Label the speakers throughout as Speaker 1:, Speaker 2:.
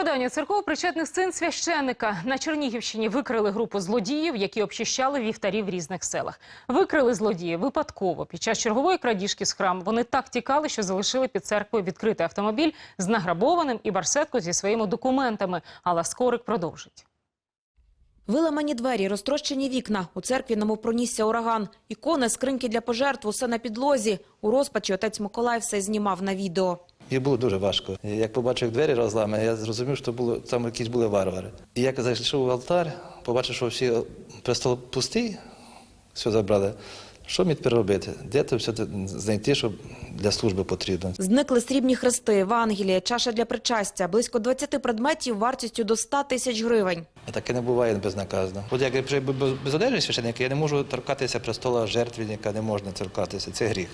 Speaker 1: Розкрадання церков причетних син священника. На Чернігівщині викрили групу злодіїв, які обчищали вівтарі в різних селах. Викрили злодії випадково. Під час чергової крадіжки з храму вони так тікали, що залишили під церквою відкритий автомобіль з награбованим і барсетку зі своїми документами. Але Скорик продовжить.
Speaker 2: Виламані двері, розтрощені вікна. У церкві немов пронісся ураган. Ікони, скриньки для пожертв, усе на підлозі. У розпачі отець Миколай все знімав на відео.
Speaker 3: І було дуже важко. Як побачив, як двері розламані, я зрозумів, що там якісь були варвари. І як зайшов в алтар, побачив, що всі престол пустий, все забрали. Що мені тепер робити? Де це все знайти, що для служби потрібно?
Speaker 2: Зникли срібні хрести, Евангелія, чаша для причастя, близько 20 предметів вартістю до 100 тисяч гривень.
Speaker 3: Таке не буває безнаказано. От як я без одежі священника, я не можу торкатися престола жертвенника, не можна торкатися, це гріх.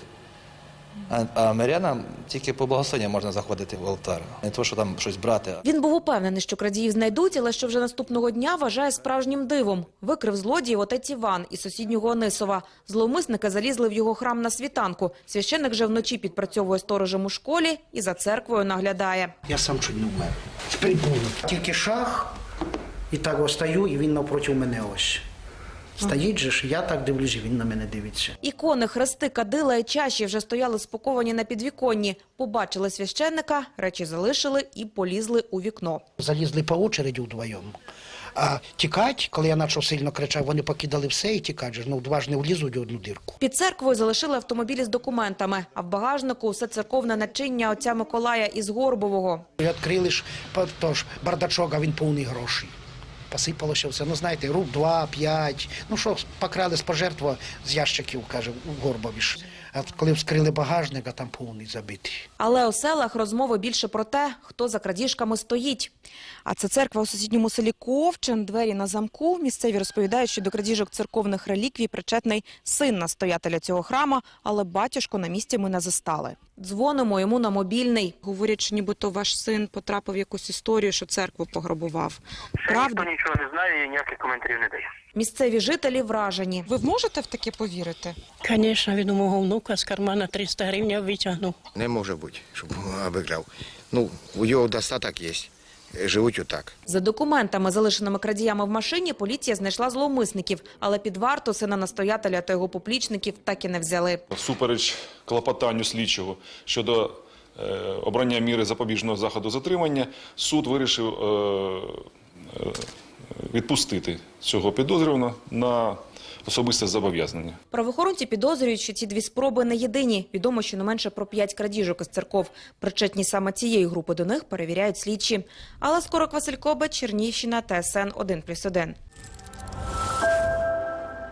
Speaker 3: А мирянам тільки по благословенню можна заходити в алтар, не то, що там щось брати.
Speaker 2: Він був упевнений, що крадіїв знайдуть, але що вже наступного дня вважає справжнім дивом. Викрив злодіїв отець Іван із сусіднього Онисова. Зловмисники залізли в його храм на світанку. Священник же вночі підпрацьовує сторожем у школі і за церквою наглядає.
Speaker 4: Я сам чуть не вмер. З прибулу. Тільки шаг, і так ось стою, і він навпроти мене ось. Стоїть же ж, я так дивлюсь, він на мене дивиться.
Speaker 2: Ікони, хрести, кадила і чаші вже стояли спаковані на підвіконні. Побачили священника, речі залишили і полізли у вікно.
Speaker 4: Залізли по очереді вдвоєм. А тікать, коли я почав сильно кричав, вони покидали все і тікать же. Ну, два ж не влізуть в одну дірку.
Speaker 2: Під церквою залишили автомобілі з документами, а в багажнику усе церковне начиння отця Миколая із Горбового.
Speaker 4: Відкрили ж тож, бардачок, а він повний грошей. Посипалося все. Ну, знаєте, руб 2-5. Ну, що, покрали з пожертва з ящиків, каже, у Горбові ж. А коли вскрили багажник, а там повний забитий.
Speaker 2: Але у селах розмови більше про те, хто за крадіжками стоїть. А це церква у сусідньому селі Ковчин, двері на замку. Місцеві розповідають, що до крадіжок церковних реліквій причетний син настоятеля цього храма, але батюшку на місці ми не застали. Дзвонимо йому на мобільний. Говорять, що нібито ваш син потрапив в якусь історію, що церкву пограбував.
Speaker 5: Правда? Ніхто нічого не знає і ніяких коментарів не дає.
Speaker 2: Місцеві жителі вражені.
Speaker 6: Ви можете в таке повірити?
Speaker 7: Звісно, він у мого внука з кармана 300 гривень витягнув.
Speaker 8: Не може бути, щоб обікрав. Ну, у його достаток є. Живуть отак.
Speaker 2: За документами, залишеними крадіями в машині, поліція знайшла зловмисників, але під варту сина настоятеля та його поплічників так і не взяли.
Speaker 9: Всупереч клопотанню слідчого щодо обрання міри запобіжного заходу затримання, суд вирішив відпустити цього підозрюваного на особисте зобов'язання.
Speaker 2: Правоохоронці підозрюють, що ці дві спроби не єдині. Відомо, що не менше про 5 крадіжок із церков. Причетність саме цієї групи до них перевіряють слідчі. Але Скорик, Василь Кобець, Чернігівщина, ТСН 1+1.